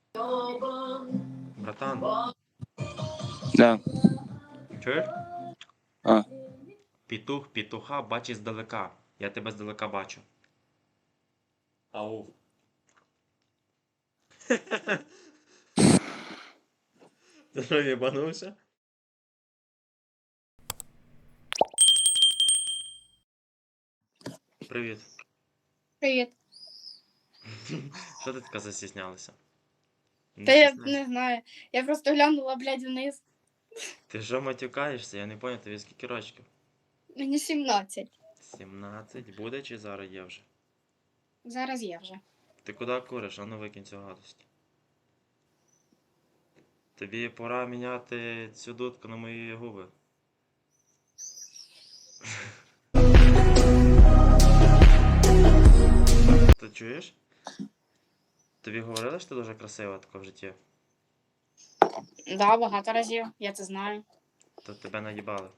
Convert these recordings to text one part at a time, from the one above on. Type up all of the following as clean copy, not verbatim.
Братан, Да. чуєш? А. Петух петуха бачить здалека. Я тебе здалека бачу. Ау. Ти що, єбанувся? Привіт. Привіт. Що ти така застіснялася? Та я не знаю. Я просто глянула, блядь, вниз. Ти що матюкаєшся? Я не поняв, тобі скільки рочків? Мені 17. 17. Буде чи зараз є вже? Зараз є вже. Ти куди куриш? А ну викинь цю гадость. Тобі пора міняти цю дудку на мої губи. Ти чуєш? Тобі говорили, що ти дуже красива така в житті? Да, багато разів, я це знаю. То тебе наїбали.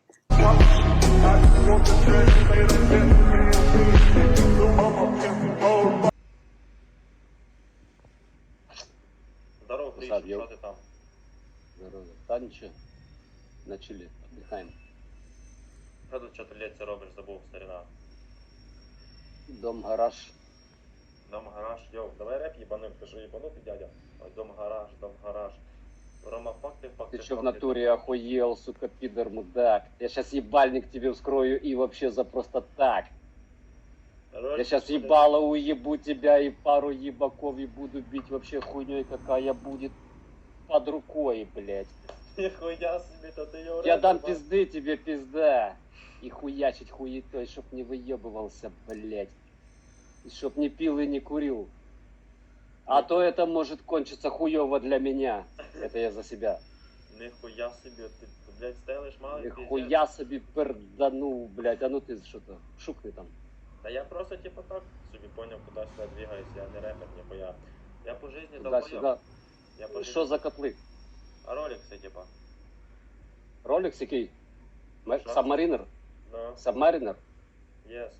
Здорово, Гріша, що ти там? Здорово. Та нічого. На чилі, віддихаємо. Що тут чотирилетці робиш, забув, старина? Дом-гараж. Дом-гараж, йоу, давай реп їбаним, ти що їбанутий, дядя? Ой, дом-гараж, дом-гараж. Рома, факти. Ты что в натуре охуел, сука, пидор, мудак? Я сейчас ебальник тебе вскрою и вообще за просто так. Я сейчас ебало уебу тебя и пару ебаков и буду бить вообще хуйней, какая будет под рукой, блядь. Нихуя себе, то ты ее Я дам пизды тебе, пизда. И хуячить хуетой, чтоб не выебывался, блядь. И чтоб не пил и не курил. А то это может кончиться хуёво для меня. Это я за себя. Нихуя себе, ты, блядь, стелишь малый Нихуя себе перданул, блядь. А ну ты что-то, шукни там. Да я просто типа так собі понял, куда сюда двигаюсь, я не рэпер, нихуя. Я по жизни Туда-сюда. Я по Что за котлы? А роликсы, типа. Роликс який? Що? Сабмаринер? Ну, Сабмаринер? єс.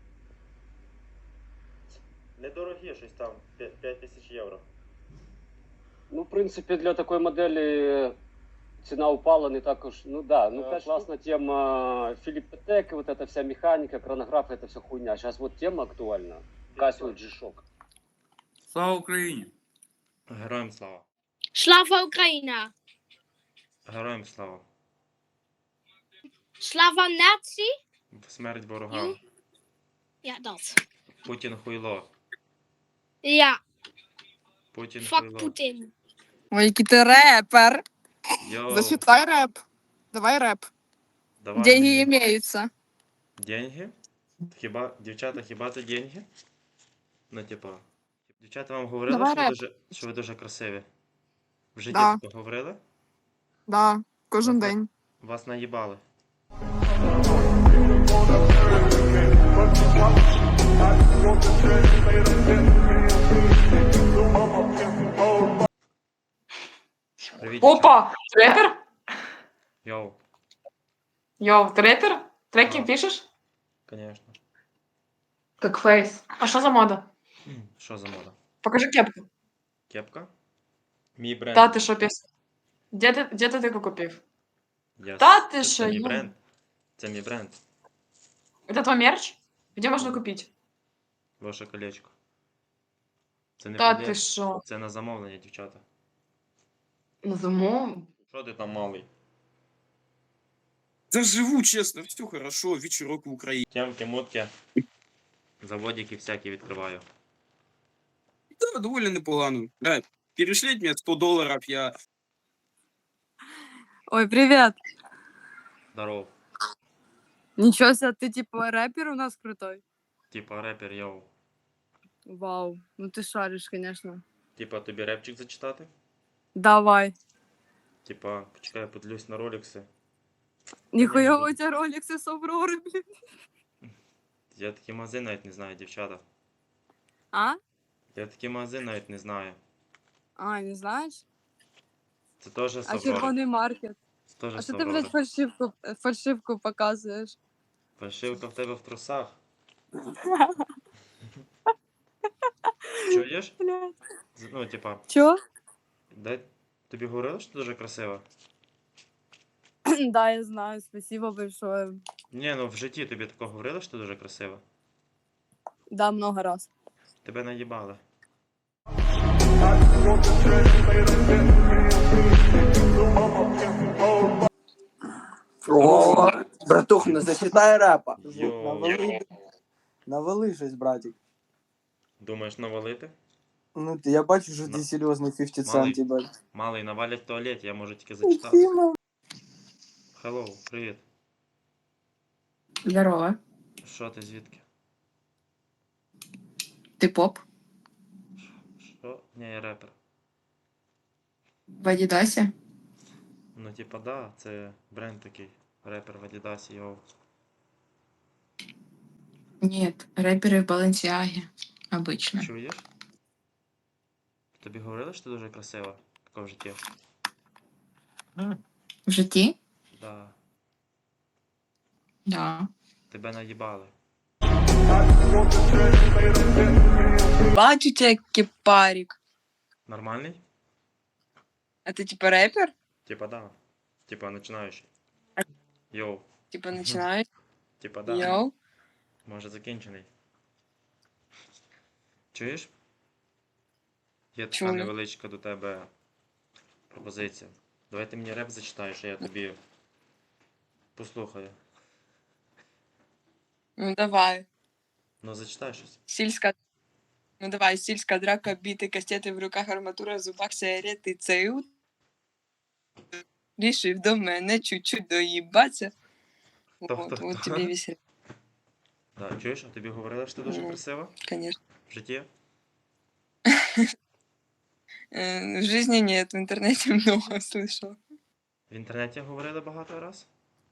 Недорогі, щось там, 5000 євро. Ну, в принципе, для такой модели цена упала не так уж. Ну да, ну Да, классная тема. Филипп Петек, вот эта вся механика, хронограф, это все хуйня. Сейчас вот тема актуальна. Casio G-Shock. Слава Україні! Героям слава. Слава Україна! Героям слава. Слава нації! Смерть ворогам. Ja, dat. Путін хуйло. Ja, Путін fuck хуйло. Poetin. Ой, який ти репер. Йоу, Зачитай реп. Давай реп. давай Деньги мені. имеются. Деньги? Хіба, дівчата, хіба це деньги? Ну, типа, дівчата вам говорили, Давай що ви, реп. що ви дуже красиві? В житті Да. таке говорили? Да, кожен Ага. день. Вас наїбали. Привіт, дівчата. Опа! Рэпер? Йоу, Йоу, ты рэпер? Треки Ага. пишешь? конечно. Как фейс. А что за мода? Що за мода? Покажи кепку. Кепка? Мій бренд. Та ти що піс? Де ти таку купив? Я Та с- ти це що, мій ю. бренд. Це мій бренд. Это твой мерч? Где можно купить? Ваше колечко. Це не Та продається. ти що? Це на замовлення, дівчата. На замов? Що ти там малий? Да живу, честно, все хорошо, вечерок в Украине. Тямки, мутки. Заводики всякі відкриваю. Да, довольно непогано. Да, перешліть мне $100, я... Ой, привет. Здоров. Ничего себе, ты типа рэпер у нас крутой. Типа репер, йоу. Вау, ну ты шаришь, конечно. Типа тобі репчик зачитати? Давай. Типа, почекай, я подивлюсь на роликси. Нихуя буду. у тебя роликсы с Авроры, блин. Я такий магазин навіть не знаю, дівчата. А? Я такий магазин навіть не знаю. А, не знаешь? Це теж з А Аврори. червоный маркет? Це теж А з что ты, блядь, Аврори. фальшивку показываешь? Фальшивка в тебе в трусах. Чуєш? Блядь. Ну, типа, Чё? Дай... Тобі говорили, що ти дуже красива? Да, я знаю, спасибо большое. Ні, ну в житті тобі такого говорили, що ти дуже красива? Да, много раз. Тебе наїбали. О, братух, не зачитай репа. Йоу. Навали щось, братик. Думаєш навалити? Ну, я бачу, що На- ти серйозний 50 Малий. Cent, бать. Малий навалять в туалеті, я можу тільки зачитати. Хеллоу, привіт. Здорово. Що ти звідки? Ты поп? Що? Ні, я репер. В Адидасе? Ну, типа, да, це бренд такий. Репер в Адідасі, йоу. Нет, рэперы в Баленсиаге. Обычно. Чуєш? Тобі говорили, що ти дуже красива? Тако в житті? В житті? Да. Да. Тебе наїбали. Бачу тебя, кипарик. Нормальний? А ты типа рэпер? Типа, да. Типа, починаючий. Йоу. Типа начинаешь? Типа, да. Йоу. Може закінчений. Чуєш? Є така Чую. невеличка до тебе пропозиція. Давай ти мені реп зачитаєш, а я тобі послухаю. Ну давай. Ну зачитай щось. Сільська. Ну давай, сільська драка, біти, кастети в руках, арматура, в зубах, сигарети, цеют. Рішив до мене чуть-чуть доїбаться. Вот тебе весь рэп, Да, чуєш, а тобі говорили, що ти дуже Ну. красива конечно. в житті? В жизни нет, в интернете много слышал. В інтернеті говорили багато раз?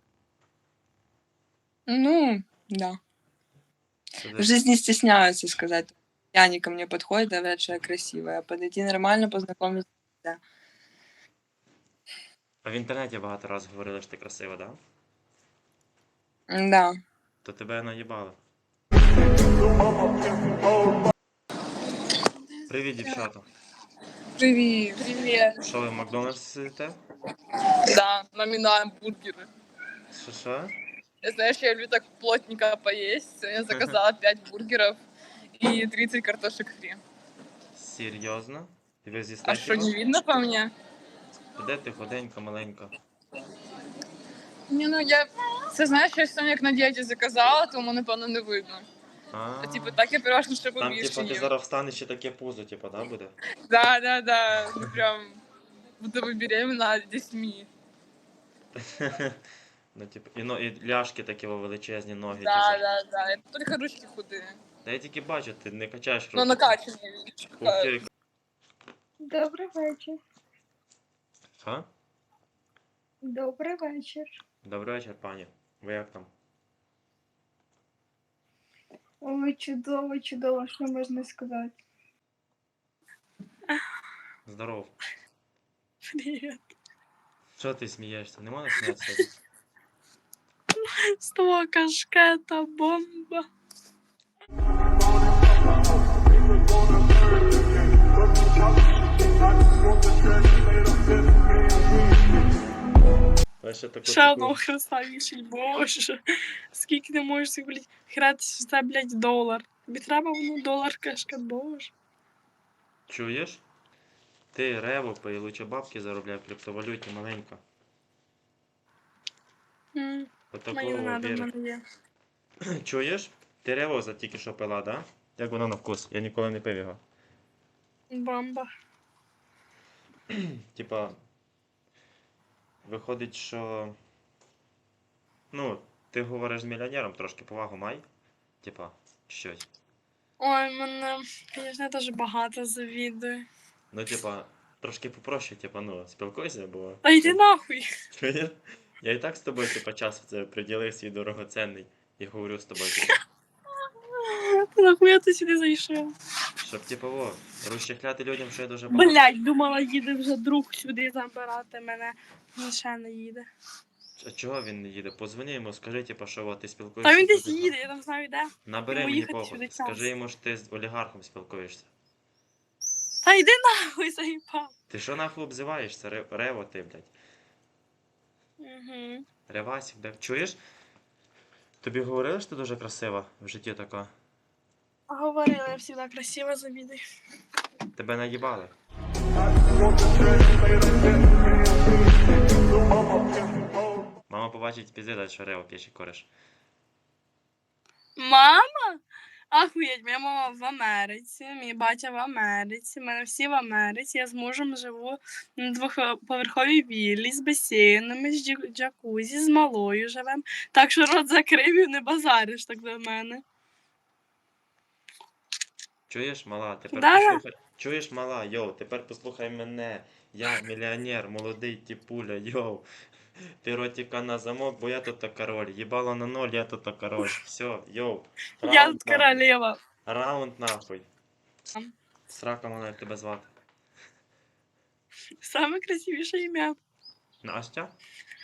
Ну, да. Це В десь- жизни стесняются сказать. Они ко мне подходят, говорят, что я красивая. А подойти нормально, познакомиться. А в інтернеті багато раз говорили, що ти красива, да? Да. То тебе наїбали. Привіт, дівчата. Привет. Привет. Що ви в Макдональдсі сидите? Да, номинаем бургеры. Що? Знаешь, я люблю так плотненько поесть. Я заказала 5 бургеров и 30 картошек фри. Серйозно? І ви з'їсте А что, хіба? не видно по мне? Де ти худенька, маленька? Не, ну я... Це знаєш, я сьогодні як на дієті заказала, тому, напевно, не видно. А, Типу, так я переважно ще там, побільше типа, ти їм. зараз встанеш і таке пузо, типа, да, буде? Да. Ну, прям, будто бы беременна дітьми. Ну, типу, і ляшки такі величезні ноги, Да. типу. Я тільки ручки худі. Та я тільки бачу, ти не качаєш руки. Ну, накачані, видиш. Ух ти. Добрий вечір. Що? Добрий вечір. Добрий вечір, пані. Ви як там? Ой, чудово, чудово, що можна сказати. Здоров. Привет. Що ти смієшся? Не можна сміятися? С того кашкета бомба. Ще таку Ще одного хреста вішать, боже. Скільки ти можеш цих, блядь, гратися за, блядь, долар? Тобі треба воно долар кашкет, боже. Чуєш? Ти рево пий, лучше бабки заробляй в криптовалюті маленько. Мені Отакого не надо, в віри. мене є. Чуєш? Ти рево за тільки що пила, да? Як воно на вкус? Я ніколи не пив його. Бомба. Типа, виходить, що. Ну, ти говориш з мільйонером, трошки повагу май. Типа, щось. Ой, мене, звісно, я теж багато завідую. Ну, типа, трошки попроще, типа, ну, спілкуйся, бо. Та йди нахуй. Чуєш? Я і так з тобою, типа, час це приділив свій дорогоценний і говорю з тобою, типа, Та нахуя ти сюди зайшов? щоб, типа, розчехляти людям, що я дуже багато. Блядь, думала, їде вже друг сюди забирати мене. Він ще не їде. А чого він не їде? Позвони йому, скажи, типа, що от ти спілкуєшся. Та він з десь людьми. їде, я там знаю де. Набери Йому мені їхати сюди похуй. час. Скажи йому, що ти з олігархом спілкуєшся. Та йди нахуй, заїбав. Ти що нахуй обзиваєшся? Рево ти, блядь. Угу. Ревасик, блядь. Чуєш? Тобі говорили, що ти дуже красива в житті така? Говорила, я завжди красиво завідую. Тебе наїбали. Мама побачить пізди, що Рео п'ячий кореш. Мама? Ахуєть, моя мама в Америці, мій батя в Америці, мене всі в Америці. Я з мужем живу на двохповерховій віллі з басейнами, з джакузі, з малою живем. Так що рот закрив і не базариш так до мене. Чуєш, мала, тепер Да. послухай. Чуєш, мала, йоу, тепер послухай мене. Я мільйонер, молодий тіпуля, йоу. Ти ротика на замок, бо я тут король. Їбало на ноль, я тут король. Все, йоу. Я Раунд тут нахуй. королева. Раунд нахуй. Срака мала, як тебе звати. Саме красивіше ім'я. Настя?